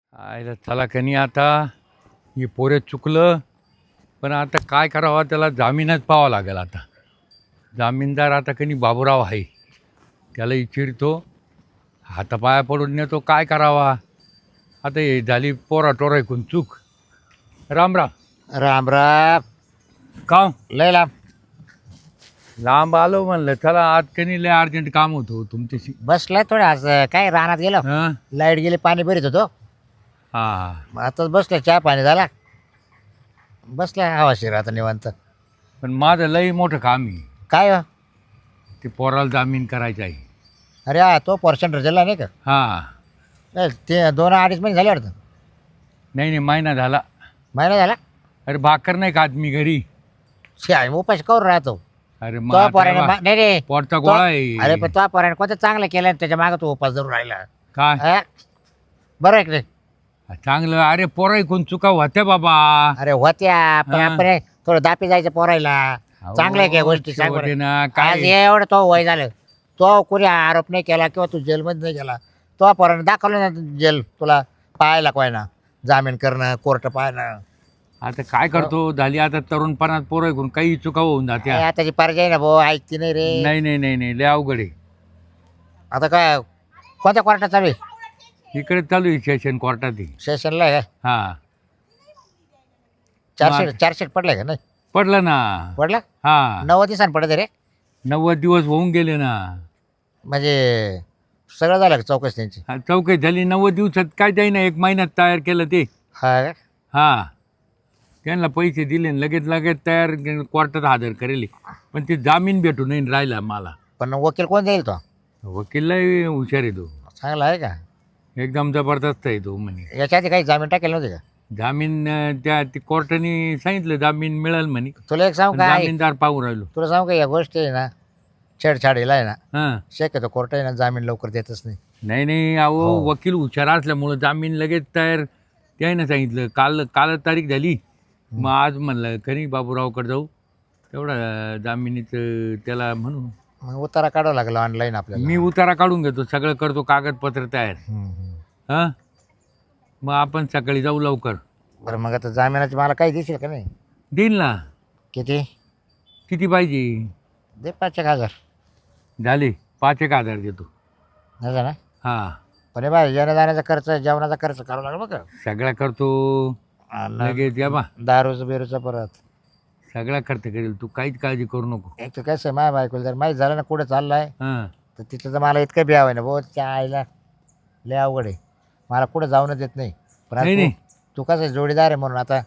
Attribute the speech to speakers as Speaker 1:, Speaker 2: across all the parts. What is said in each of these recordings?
Speaker 1: आयला चला कनी आता हे पोरे चुकलं. पण आता काय करावं, त्याला जामीनच पाहावा लागेल. आता जामीनदार आता कनी बाबूराव आहे, त्याला विचारतो, हातापाया पडून नेतो. काय करावा आता, हे झाली पोरा टोरा ऐकून चूक. राम राम.
Speaker 2: राम राम.
Speaker 1: का
Speaker 2: लय लांब
Speaker 1: लांब आलो म्हणलं, चला आज कनी लय अर्जंट काम होतो तुमच्याशी.
Speaker 2: बसलाय थोडं आज काय रानात गेलो,
Speaker 1: हां
Speaker 2: लाईट गेली, पाणी भरीत होतो.
Speaker 1: हां
Speaker 2: मग आताच बसलाय, चहा पाणी झाला, बसलाय हवाशीर आता निवांत.
Speaker 1: पण माझं लय मोठं काम आहे.
Speaker 2: काय हो?
Speaker 1: ते पोराला जामीन करायचं आहे.
Speaker 2: अरे हा तो पर्सेंट रजला नाही का?
Speaker 1: हां
Speaker 2: नाही, ते 2-2.5 महिने झाले वाटतं.
Speaker 1: नाही महिना झाला.
Speaker 2: महिना झाला.
Speaker 1: अरे भाकर नाही खात मी घरी.
Speaker 2: आहे उपाशी करून राहतो
Speaker 1: अरे मग
Speaker 2: तो
Speaker 1: आता
Speaker 2: पोराने.
Speaker 1: बा-
Speaker 2: नाही रे,
Speaker 1: पोटचा गोळा आहे.
Speaker 2: अरे पण तो पोराने कोणतं चांगलं केलं आणि त्याच्या मागे तो उपास धरून राहिला.
Speaker 1: काय
Speaker 2: हा? बरं आहे की नाही?
Speaker 1: चांगलं. अरे पोरं ऐकून चुका होत्या बाबा.
Speaker 2: अरे होत्या, पण
Speaker 1: हा.
Speaker 2: आपण थोडं दापी जायचं पोरायला. चांगलं आहे का गोष्टी? सांग
Speaker 1: शेवटी
Speaker 2: बरं.
Speaker 1: ना
Speaker 2: आज
Speaker 1: काय
Speaker 2: एवढं तो वय झालं, तो कोणी आरोप नाही केला किंवा तू जेलमध्ये नाही गेला, तो पोराने दाखवलं ना जेल तुला पाहायला काय ना, जामीन करणं, कोर्ट पाहणं.
Speaker 1: आता काय करतो, झाली आता तरुणपणात पोरं ऐकून काही चुका होऊन जात्या.
Speaker 2: काय आताची पर्याय ना भाऊ, ऐकती नाही रे.
Speaker 1: नाही लय अवघड आहे.
Speaker 2: आता काय कोणत्या कोर्टात चालू आहे?
Speaker 1: इकडे चालू आहे सेशन कोर्टात आहे.
Speaker 2: सेशनला आहे का?
Speaker 1: हा
Speaker 2: चार्जशीट पडलाय का? नाही
Speaker 1: पडलं ना.
Speaker 2: पडला.
Speaker 1: हा
Speaker 2: 9 दिवसांनी पडत रे.
Speaker 1: 90 दिवस होऊन गेले ना.
Speaker 2: म्हणजे सगळं झालं का चौकशी त्यांची?
Speaker 1: हा, चौकशी झाली 90 दिवसात. काय जाईना, 1 महिन्यात तयार केलं ते.
Speaker 2: हा का?
Speaker 1: हा त्यांना पैसे दिले आणि लगेच तयार कोर्टात हजर करेल. पण ते जामीन भेटू नाही राहिला मला.
Speaker 2: पण वकील कोण देईल तो?
Speaker 1: वकील लय हुशार आहे तो,
Speaker 2: चांगला आहे का?
Speaker 1: एकदम जबरदस्त आहे तो. म्हणे
Speaker 2: याच्या आधी काही जामीन टाकेल नव्हते का?
Speaker 1: जामीन त्या कोर्टाने सांगितलं जामीन मिळेल म्हणे.
Speaker 2: तुला एक सांगू
Speaker 1: पण
Speaker 2: का?
Speaker 1: जामीनदार पाहू राहिलो.
Speaker 2: तुला सांगू का, या गोष्टी आहे ना, छेडछाडीला आहे ना,
Speaker 1: हां
Speaker 2: शक्यतो कोर्ट आहे ना जामीन लवकर देतच नाही.
Speaker 1: नाही अहो,
Speaker 2: हो.
Speaker 1: वकील हुशार असल्यामुळं जामीन लगेच तयार. त्याने सांगितलं काल तारीख झाली. मग आज म्हणलं खरी बाबूरावकडे जाऊ, तेवढा जामिनीचं त्याला म्हणू.
Speaker 2: मग उतारा काढावा लागला ऑनलाईन आपल्याला.
Speaker 1: मी उतारा काढून घेतो, सगळं करतो, कागदपत्र तयार. हां मग आपण सकाळी जाऊ लवकर.
Speaker 2: बरं, मग आता जामिनाची मला काही दिसेल का नाही?
Speaker 1: देईल ना.
Speaker 2: किती?
Speaker 1: किती पाहिजे?
Speaker 2: दे 5,000.
Speaker 1: झाले 5,000 देतो.
Speaker 2: नाही ना?
Speaker 1: हां
Speaker 2: पण हे बाय, येण्या जाण्याचा खर्च, जेवणाचा खर्च करावा लागला बघा.
Speaker 1: सगळा करतो लगेच. या बा
Speaker 2: दारूचं बिरूचं परत
Speaker 1: सगळा खर्च करेल, तू काहीच काळजी करू नको.
Speaker 2: एक तर कसं आहे, माझ्या बायकोला जर माहीत झालं ना कुठं चाललाय,
Speaker 1: हां
Speaker 2: तर तिथं तर मला इतकं बिहाव आहे ना भाऊ, त्या आईला लय अवघड आहे. मला कुठं जाऊनच देत नाही. पण आता
Speaker 1: नाही.
Speaker 2: तू कसं जोडीदार आहे म्हणून आता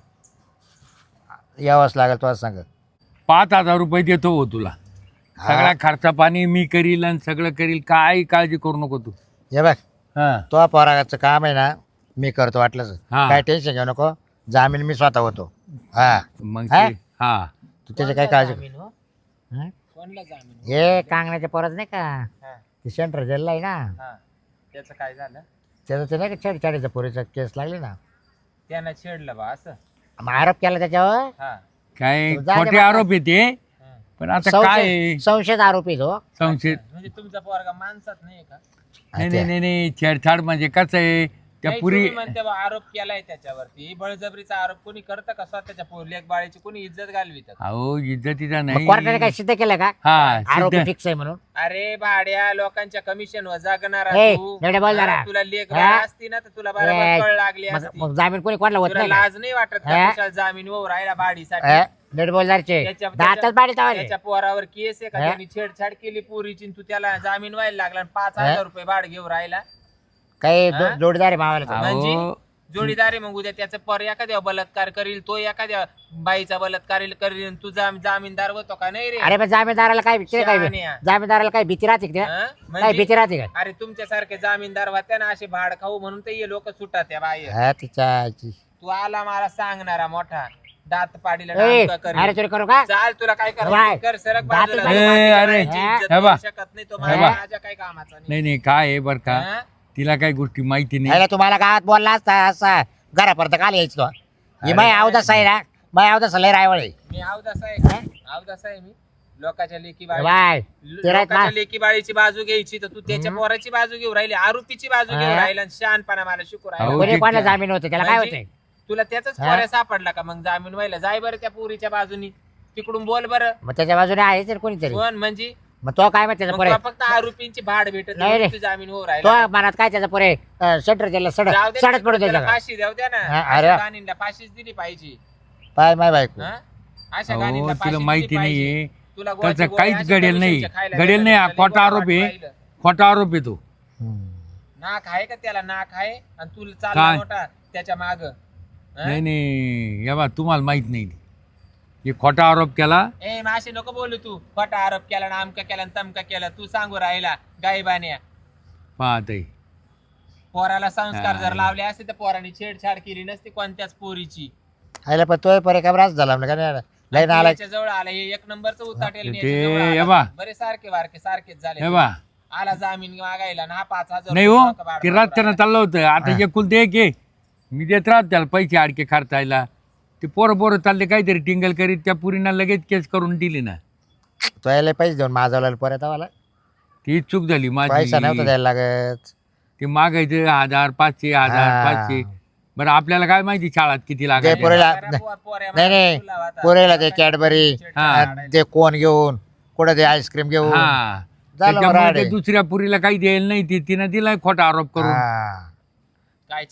Speaker 2: यावंच लागेल. तुला सांग,
Speaker 1: 5,000 रुपये देतो हो तुला. सगळा खर्चा पाणी मी करील आणि सगळं करील, काय काळजी करू नको तू.
Speaker 2: हे बघ,
Speaker 1: हां
Speaker 2: तो पोराचं काम आहे ना, मी करतो वाटलंच.
Speaker 1: हा.
Speaker 2: काय टेन्शन घेऊ नको, जामीन मी स्वतः होतो. हा,
Speaker 1: मग
Speaker 2: हा?
Speaker 1: ते हां
Speaker 2: तू त्याची काय काळजी हं? हे कांगण्याच्या पोरात नाही का, ते सेंट्रल जेलला आहे ना,
Speaker 3: त्याचं काय झालं?
Speaker 2: त्याचं ते नाही का छेडछाडीचा पोरीचा केस लागली ना,
Speaker 3: त्यानं छेडलं बा असं.
Speaker 2: मग आरोप केला त्याच्यावर.
Speaker 3: हा
Speaker 1: काय
Speaker 2: जाऊ दे
Speaker 1: खोटे
Speaker 2: बाबा.
Speaker 1: आरोप येते. पण आता काय आहे?
Speaker 2: संशय आरोपी तो.
Speaker 1: संशय.
Speaker 3: म्हणजे तुमचा पोरगा माणसात नाही का?
Speaker 1: नाही छेडछाड म्हणजे कसं आहे, त्या
Speaker 3: नाही,
Speaker 1: पुरी
Speaker 3: तुम्ही म्हणते बा आरोप केलाय त्याच्यावरती, बळजबरीचा आरोप कोणी करतं का? स्वतःच्या लेक बाळाची कोणी इज्जत घालवितात?
Speaker 1: अहो इज्जतीचा
Speaker 2: मग
Speaker 1: नाही.
Speaker 2: कोर्टाने काय सिद्ध केलं का
Speaker 1: हा
Speaker 2: आरोपी
Speaker 1: सिद्ध.
Speaker 2: फिक्स आहे म्हणून?
Speaker 3: अरे भाड्या, लोकांच्या कमिशन वर जगणारा
Speaker 2: ए,
Speaker 3: तू.
Speaker 2: एवढे बोल जरा.
Speaker 3: हा, तुला लेक
Speaker 2: हा?
Speaker 3: असती ना तर तुला बरोबर कळ लागली
Speaker 2: मग
Speaker 3: असती.
Speaker 2: मग जामीन कोणी कोणाला होत
Speaker 3: तुला
Speaker 2: नाही का?
Speaker 3: लाज नाही वाटत
Speaker 2: हा?
Speaker 3: का? कशाला जामीन वर राहिला भाडीसाठी?
Speaker 2: नेट बोलदारचे
Speaker 3: त्याच्या-
Speaker 2: दातच पाडी चावले.
Speaker 3: त्याच्या पोरावर केस आहे का?
Speaker 2: हा?
Speaker 3: त्यांनी छेडछाड केली पोरीची आणि तू त्याला जामीन व्हायला लागला आणि 5,000 रुपये भाड घेऊन राहिला.
Speaker 2: काही
Speaker 3: हा?
Speaker 2: जोडीदार आहे मावाला तो.
Speaker 1: अहो,
Speaker 3: म्हणजे जोडीदार आहे, मग उद्या त्याचा पर एखाद्या बलात्कार करील, तो एखाद्या बाईचा बलात्कार करील आणि तू जामीनदार होतो का? नाही रे.
Speaker 2: अरे पण जामीनदाराला काय भीती काय?
Speaker 3: शहाण्या.
Speaker 2: जामीनदाराला काय भीती राहते का?
Speaker 3: हं?
Speaker 2: काय
Speaker 3: म्हणजे-
Speaker 2: भीती राहते का?
Speaker 3: अरे तुमच्यासारखे जामीनदार होत्या ना असे भाड खाऊ म्हणून तर ये लोक सुटतात त्या बाई.
Speaker 2: हा, तिच्या आईची.
Speaker 3: तू आला मला सांगणारा मोठा दात पाडीला
Speaker 2: ए,
Speaker 3: डांका करील.
Speaker 2: अरे चोरी करू का?
Speaker 3: चाल तुला काय
Speaker 2: बाय.
Speaker 3: करायचं कर, सरक
Speaker 2: दात
Speaker 3: बाजूला.
Speaker 2: पाडी-
Speaker 1: ए, अरे,
Speaker 3: इज्जत
Speaker 1: हे बा.
Speaker 3: देऊ शकत नाही तो
Speaker 1: हे बा.
Speaker 3: माझ्या काय कामाचा नाही.
Speaker 1: नाही काय आहे बरं का,
Speaker 3: हं?
Speaker 1: तिला काही गोष्टी माहिती नाही.
Speaker 2: अरे तुम्हाला गावात बोलला असता असा घरापर्यंत काल यायचं तो. ही माय अवदास आहे ना, माय अवदास लय रायवळ आहे.
Speaker 3: मी अवदास आहे का? अवदास आहे मी. लोकांच्या लेकी
Speaker 2: बाय ते राहत
Speaker 3: लोकांच्या
Speaker 2: ना.
Speaker 3: लेकी बाळीची बाजू घ्यायची तर तू त्याच्या पोराची बाजू घेऊ राहिली आरोपीची बाजू घेऊ
Speaker 2: हा.
Speaker 3: राहिला आणि शहाणपणा मला शिकू
Speaker 1: अहो,
Speaker 3: राहिला
Speaker 2: कोणी
Speaker 1: ठीक
Speaker 2: कोणाला
Speaker 1: आहे.
Speaker 2: जामीन होते त्याला काय
Speaker 3: म्हणजे
Speaker 2: होते
Speaker 3: तुला त्याचाच
Speaker 2: हा.
Speaker 3: पोऱ्या सापडला का मग जामीन व्हायला जाय बरं त्या पोरीच्या बाजूनी तिकडून बोल बरं
Speaker 2: मग त्याच्या बाजूने आहे तर कोणीतरी
Speaker 3: कोण म्हणजे
Speaker 2: मग तो काय मग त्याचा
Speaker 3: मग
Speaker 2: पोरे
Speaker 3: तुला फक्त आरोपींची भाड भेटत
Speaker 2: नाही रे.
Speaker 3: नाही, तू जामीन होऊ राहिला
Speaker 2: तो मनात काय त्याचा पोरे सेंटर त्याला
Speaker 3: जाऊ दे
Speaker 2: सडत
Speaker 3: ना,
Speaker 2: पडू
Speaker 3: त्याला
Speaker 2: त्याच्या
Speaker 3: फाशी देऊ द्या ना
Speaker 2: हा, अरे.
Speaker 3: अशा गाणींना फाशीच दिली पाहिजे
Speaker 2: पाय माय बायको
Speaker 3: हा? अशा
Speaker 1: अहो
Speaker 3: गाणींना फाशी
Speaker 1: तिला
Speaker 3: दिली
Speaker 1: माहिती
Speaker 3: पाहिजे.
Speaker 1: नाहीये
Speaker 3: तुला गोळ्याच्या
Speaker 1: त्याचं
Speaker 3: गोळ्या
Speaker 1: काहीच
Speaker 3: अशा
Speaker 1: घडेल नाही
Speaker 3: कमिशनच्या खायला
Speaker 1: घडेल नाही हा
Speaker 3: भेटत
Speaker 1: खोटा
Speaker 3: नाही,
Speaker 1: आरोप आहे
Speaker 3: राहिलं.
Speaker 1: खोटा आरोप आहे तो
Speaker 2: हम्म.
Speaker 3: नाक आहे का त्याला नाक आहे आणि तुला
Speaker 1: काय?
Speaker 3: चालला मोठा त्याच्या माग
Speaker 1: नाही नाही या बा तुम्हाला माहित नाही हे खोटा आरोप केला
Speaker 3: ए माशी नको बोलू तू खोटा आरोप केला ना आमका केला ना तमका केला तू सांगू राहिला गायबान्या
Speaker 1: पाहत
Speaker 3: पोराला संस्कार जर
Speaker 1: हा.
Speaker 3: लावले असते तर पोराने छेडछाड केली नसती कोणत्याच पोरीची
Speaker 2: आयला पण तोय परे काय रास झाला म्हणजे काय लाईन आला
Speaker 3: याच्या जवळ आला हे एक नंबरचं उताटेल आणि
Speaker 1: ते
Speaker 3: याच्या जवळ आला.
Speaker 1: हे बा.
Speaker 3: बरे सारखे वारखे सारखेच झाले
Speaker 1: हे बा
Speaker 3: आला जामीन मागायला ना हा 5,000
Speaker 1: नाही हो
Speaker 3: रुपये भाडं
Speaker 1: ते
Speaker 3: मागू
Speaker 1: रस्त्यानं
Speaker 3: राहिला.
Speaker 1: चाललं होतं आता एकुलते एक आहे मी देत राहत त्याला पैसे अडके खर्चायला ते पोरं चालले काहीतरी टिंगल करीत त्या पुरीना लगेच केस करून दिली ना
Speaker 2: तो यायला पैसे देऊन माझा परत आला
Speaker 1: ती चूक झाली
Speaker 2: पैसा नव्हता
Speaker 1: माझी
Speaker 2: द्यायला लागत
Speaker 1: ते मागायचं 1,000 500 1,000
Speaker 2: हा.
Speaker 1: 500 बरं आपल्याला काय माहिती शाळात किती
Speaker 2: ते
Speaker 1: लागायचे
Speaker 2: पोरीला
Speaker 3: जरा पोऱ्या
Speaker 2: नाही नाही
Speaker 3: तुला आता.
Speaker 2: पोरीला ते कॅडबरी
Speaker 1: हा.
Speaker 2: ते कोण घेऊन कुठं ते आईस्क्रीम घेऊन
Speaker 1: हा
Speaker 2: झालं
Speaker 1: त्याच्यामुळे
Speaker 2: राडे.
Speaker 1: ते दुसऱ्या पुरीला काही द्यायला नाही ती तिनं दिलाय खोटा आरोप करून
Speaker 2: हा.
Speaker 3: काय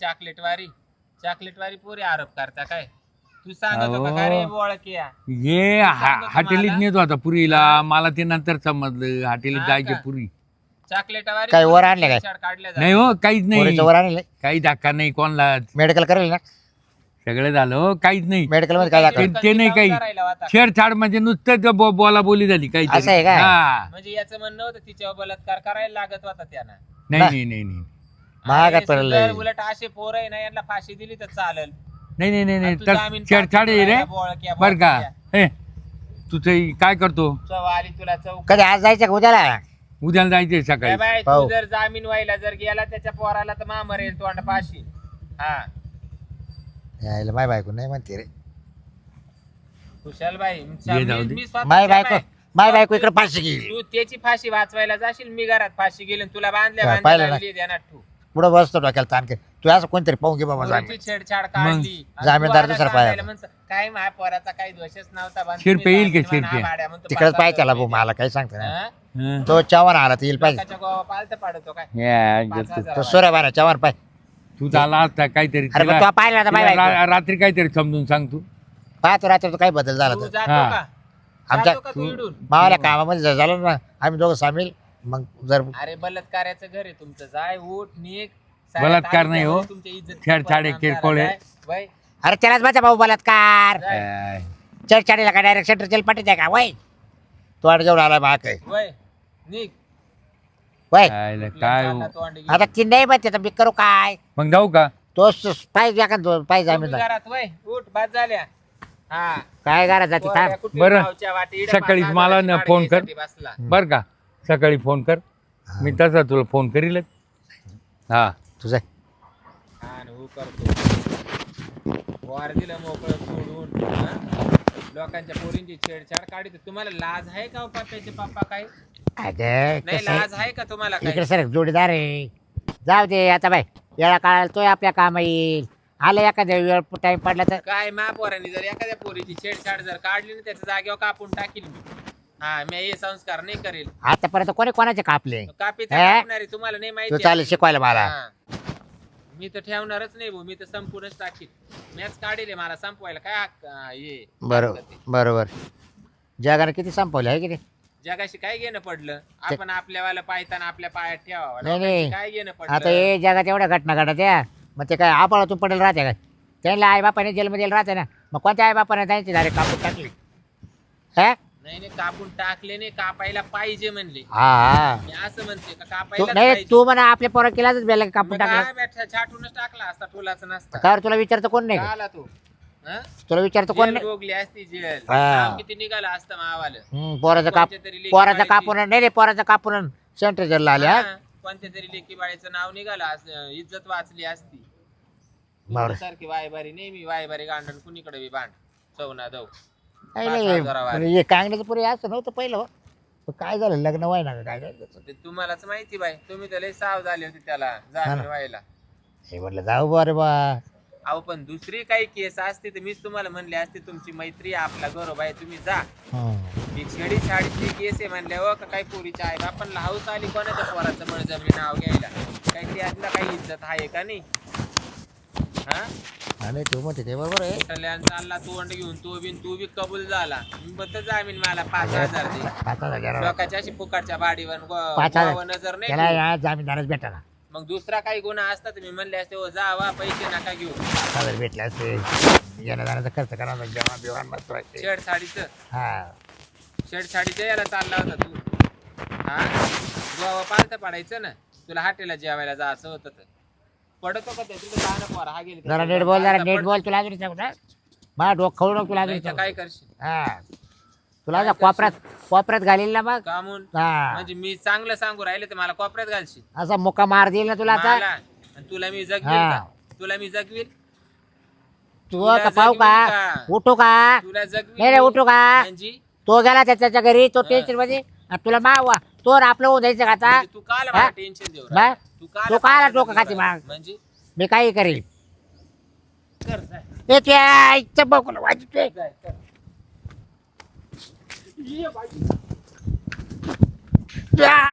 Speaker 3: चॉकलेट वारी पोरी आरोप करता काय तू सांगत
Speaker 1: अहो.
Speaker 3: होता का रे बोळकिया
Speaker 1: हे
Speaker 3: सांगतो
Speaker 1: हॉटेलीत
Speaker 3: तुम्हाला.
Speaker 1: नेत होता पुरीला मला ते नंतर समजलं हॉटेलीत
Speaker 3: हा
Speaker 1: जायचे
Speaker 3: का?
Speaker 1: पुरी
Speaker 3: चॉकलेट वारी
Speaker 2: काय वर आणले काय?
Speaker 3: काढल्या
Speaker 1: नाही हो काहीच नाही
Speaker 2: पोरीचं वर आणले
Speaker 1: काही धक्का नाही कोणला
Speaker 2: मेडिकल करेल ना
Speaker 1: सगळं झालं हो काहीच नाही
Speaker 2: मेडिकल मध्ये काय दाखल
Speaker 1: ते नाही काही छेडछाड म्हणजे नुसतं ते बोला बोली झाली काही
Speaker 2: असं आहे का?
Speaker 3: म्हणजे याचं म्हणणं होतं तिच्यावर बलात्कार करायला लागत होता त्यांना
Speaker 1: नाही नाही नाही नाही
Speaker 2: महागात
Speaker 3: आणि
Speaker 2: पडलं
Speaker 3: सुद्धा उलट असे पोर आहे ना यांना फाशी दिली तर चालेल
Speaker 1: नाही नाही नाही नाही
Speaker 3: आणि तू
Speaker 1: तर
Speaker 3: जामीन
Speaker 1: छेडछाड आहे रे
Speaker 3: पाठवून बोळक्या,
Speaker 1: बर का
Speaker 3: बोळक्या.
Speaker 1: हे तुझं काय करतो
Speaker 3: चव आली तुला चौक
Speaker 2: कधी आज जायचं का उद्याला
Speaker 1: उद्याला जायचंय सकाळी
Speaker 3: बाय
Speaker 2: पाहू.
Speaker 3: तू जर जामीन व्हायला जर गेला त्याच्या पोराला तर मामर येईल तोंड फाशी हा
Speaker 2: यायला माय बायको नाही म्हणते रे
Speaker 3: कुशाल बाई
Speaker 1: ये जाऊ दे.
Speaker 3: मी स्वतः
Speaker 2: माय बायको
Speaker 3: बाय.
Speaker 2: माय बायको इकडे फाशी गेली
Speaker 3: तू त्याची फाशी वाचवायला जाशील मी घरात फाशी गेली आणि तुला
Speaker 2: हा,
Speaker 3: बांधल्या
Speaker 2: पाहिलं ना.
Speaker 3: बांधल्या ध्यानात ठेव
Speaker 2: पुढे बसतो डोक्याला ताण कर तू असं कोणतरी पाहून घे बाबा जामीन
Speaker 3: पोराची छेडछाड काढली आणि
Speaker 2: जामीनदार
Speaker 3: तू
Speaker 2: दुसरा
Speaker 3: आला
Speaker 2: पाय.
Speaker 3: सांगायला म्हणतो, काय माझ्या पोराचा काही दोषच नव्हता बा.
Speaker 1: शिरपे
Speaker 3: तुम्ही
Speaker 1: येईल का
Speaker 3: जामीन
Speaker 1: शिरपे?
Speaker 3: म्हणा, भाड्या म्हणतो,
Speaker 2: तिकडेच
Speaker 3: 5,000
Speaker 2: पाहिजे त्याला भाऊ
Speaker 3: रुपये
Speaker 2: मला काही सांगतो
Speaker 3: दे.
Speaker 2: ना
Speaker 3: हा?
Speaker 1: हं.
Speaker 2: तो चव्हाण आला तर येईल पाहिजे
Speaker 3: लोकांच्या गोवा पालतं पाडतो काय
Speaker 1: या,
Speaker 3: 5,000
Speaker 2: तो सोऱ्या चव्हाण पाय
Speaker 1: तू झाला असता काहीतरी
Speaker 2: अरे पण
Speaker 1: तिला-
Speaker 2: तो पाहिला ना माय
Speaker 1: तिला
Speaker 2: बायको
Speaker 1: रात्री काहीतरी समजून सांग तू
Speaker 2: पाहतो रात्री तो काही बदल झाला
Speaker 3: तू
Speaker 2: तर
Speaker 3: जातो
Speaker 1: हा.
Speaker 3: का
Speaker 2: आमच्या-
Speaker 3: जातो का तू इडून
Speaker 2: मावाल्या कामामध्ये जर झालं ना आम्ही दोघं सामील मग जर
Speaker 3: अरे बलात्काराचं घर आहे तुमचं जाय उठ निघ
Speaker 1: बलात्कार नाही हो.
Speaker 3: तुमच्या इज्जत
Speaker 1: छेडछाड आहे, किरकोळ आहे.
Speaker 3: बाय
Speaker 2: अरे त्यालाच माझा भाऊ बलात्कार
Speaker 3: जाय.
Speaker 2: चढचाडीला का डायरेक्ट सेंटर जेल पाठीत आहे का वय तो आठ जेवढा आला बा काय
Speaker 3: वय निघ
Speaker 2: वय
Speaker 1: काय काय
Speaker 3: चालला तो अंडे घेऊन.
Speaker 2: आता ती नाही म्हणते तर मी करू काय
Speaker 1: मग जाऊ का
Speaker 2: तो पाहिजे का पाहिजे
Speaker 3: तुम्ही
Speaker 2: आम्ही
Speaker 3: घरात वय उठ बाद झाल्या हा
Speaker 2: काय करा जाते थांब
Speaker 3: पोरग्या कुठल्या
Speaker 1: बरं.
Speaker 3: गावच्या वाटी इडं
Speaker 1: सकाळीच
Speaker 3: 5,000
Speaker 1: मला
Speaker 3: ची
Speaker 1: फोन कर.
Speaker 3: गाडी बसला.
Speaker 1: बर का सकाळी फोन कर मी तसा तुला फोन करीलच हा
Speaker 2: तुझं
Speaker 3: हा न, हो करतो वार दिलं मोकळं सोडून हा? लोकांच्या पोरींची छेडछाड काढी तुम्हाला लाज आहे का हो पप्पाचे पप्पा काय
Speaker 2: अरे
Speaker 3: नाही
Speaker 2: कसं आहे?
Speaker 3: लाज आहे का तुम्हाला काय
Speaker 2: इकडे सर जोडीदार आहे जाऊ दे आता बाय याला काढायला तोय आपल्या काम येईल आलं एखाद्या वेळ टाइम पडला तर
Speaker 3: काय महापोरांनी जर एखाद्या पोरीची छेडछाड जर काढली ना त्याच्या जागेवर कापून टाकील मी हा मी हे संस्कार नाही करेल
Speaker 2: आतापर्यंत कोणी कोणाचे कापले
Speaker 3: कापी तर
Speaker 2: हे?
Speaker 3: कापणारे तुम्हाला नाही
Speaker 2: तू
Speaker 3: माहिती
Speaker 2: चालेल शिकवायला मला
Speaker 3: हा. मी तर ठेवणारच नाही भाऊ मी तर संपूर्णच टाकील मॅच काढेल मला संपवायला काय हे
Speaker 2: बरोबर बरोबर जगाने किती संपवले आहे की नाही
Speaker 3: जगाशी काय घेणं पडलं आपण आपल्यावाला पायताना आपल्या पायात ठेवावं
Speaker 2: नाही, नाही.
Speaker 3: लोकांशी काय घेणं
Speaker 2: आता
Speaker 3: पडलं
Speaker 2: हे जगात एवढ्या घटना घडत या मग ते काय आपाळातून पडेल राहते काय त्यांना आईबापाने जेलमध्ये राहते ना मग कोणत्या आईबापाने त्यांची झाले कापून टाकली हा
Speaker 3: नाही नाही कापून टाकले नाही कापायला पाहिजे म्हणले
Speaker 2: हा
Speaker 3: मी असं म्हणते का
Speaker 2: तू
Speaker 3: कापायला
Speaker 2: नाही तू म्हणा आपल्या पोरा केलाच बेला कापून टाकलं
Speaker 3: छाटूनच टाकला असता टोलाच नसता
Speaker 2: काय तुला विचारतो कोण नाही
Speaker 3: का
Speaker 2: का?
Speaker 3: आला तू हं?
Speaker 2: तुला विचारतो कोण
Speaker 3: जेल
Speaker 2: नाही
Speaker 3: भोगली असती जेल
Speaker 2: हा.
Speaker 3: नाव किती निघालं असतं मावालं
Speaker 2: पोराचं
Speaker 3: कोणत्या तरी लेकी
Speaker 2: पोराचं
Speaker 3: बाळीची-
Speaker 2: कापून नाही रे पोराचं कापून सेंटर जेलला आले हा
Speaker 3: हा, कोणत्या तरी लेकी बाळीचं नाव निघालं इज्जत वाचली असती
Speaker 2: बरं.
Speaker 3: सारखी वायबारी नेहमी वायबारी गांडण कुणीकडे बी बांध चवना दव 5,000 वारी.
Speaker 2: हे कांगण्याचं पुरे असं नव्हतं पहिलं हो. पण काय झालं लग्न व्हाय ना काय काय त्याचं.
Speaker 3: ते तुम्हालाच माहिती बाई, तुम्ही तर लय साव झाले होते त्याला जामीन व्हायला.
Speaker 2: हे म्हटलं जाऊ बरे बा.
Speaker 3: अहो पण दुसरी काही केस असते तर मीच तुम्हाला म्हणले असते, तुमची मैत्री आहे, आपला गौरव आहे, तुम्ही जा. ही छेडी छाडीची केस आहे म्हणल्यावर का काही पोरीच्या आहे आपण हाऊस आली कोणाच्या पोराचं बळजबरी नाव घ्यायला, काही त्यातला काही इज्जत आहे का नाही? हा
Speaker 2: आणि तू म्हणते ते बरोबर आहे.
Speaker 3: कल्याण चालला तोंड घेऊन, तू बी कबूल झाला. मी म्हणतो जामीन मला 5,000 दे.
Speaker 2: 5,000
Speaker 3: लोकांच्या अशी फुकाटच्या बाडीवर
Speaker 2: 5,000
Speaker 3: नजर नाही
Speaker 2: त्याला
Speaker 3: ठेवू.
Speaker 2: या जामीनदारच भेटायला
Speaker 3: मग दुसरा काही गुन्हा असता तर मी म्हणले असते हो जावा पैसे नका घेऊ.
Speaker 2: 5,000 भेटले असते. येण्या जाण्याचा खर्च करायचा जेवण बिवण मस्त व्हायचे.
Speaker 3: छेडछाडीचं
Speaker 2: हा
Speaker 3: छेडछाडीचं याला चालला होता तू. हा गोवा पालथं पाडायचं ना, तुला हॉटेलला जेवायला जा असं होतं तर पडतो का ते तुझं जाणं पोरा हा गेली
Speaker 2: जरा नीट बोल, जरा नीट बोल. तुला अजून सांगू ना मला डोकं खाऊ नको तुला अजून
Speaker 3: नाही तर
Speaker 2: सांगू.
Speaker 3: काय करशील
Speaker 2: हा तुला आता कोपऱ्यात घालील ना मग.
Speaker 3: कामून
Speaker 2: हा
Speaker 3: म्हणजे मी चांगलं सांगू राहिले तर मला कोपऱ्यात घालशील
Speaker 2: असा मुका मार देईल ना तुला आता.
Speaker 3: मला. आणि तुला मी जगवील
Speaker 2: हा.
Speaker 3: का? तुला मी जगवील,
Speaker 2: तू
Speaker 3: तुला
Speaker 2: का पाहू का
Speaker 3: जगवील का?
Speaker 2: उठू का
Speaker 3: तुला जगवील
Speaker 2: नाही रे उठू का.
Speaker 3: म्हणजे
Speaker 2: तो गेला त्याच्या घरी तो टेन्शन मध्ये आणि तुला मावा तो आपलं होऊन जायचं का आता.
Speaker 3: म्हणजे तू काला मला
Speaker 2: हा?
Speaker 3: टेन्शन देऊ
Speaker 2: बा?
Speaker 3: तू
Speaker 2: तू काला डोकं खाते मग.
Speaker 3: म्हणजे
Speaker 2: मी काही करील
Speaker 3: कर जाय,
Speaker 2: ते त्या इच्छा बघून वाजते.
Speaker 3: जाय, कर. ये बाई.
Speaker 2: त्या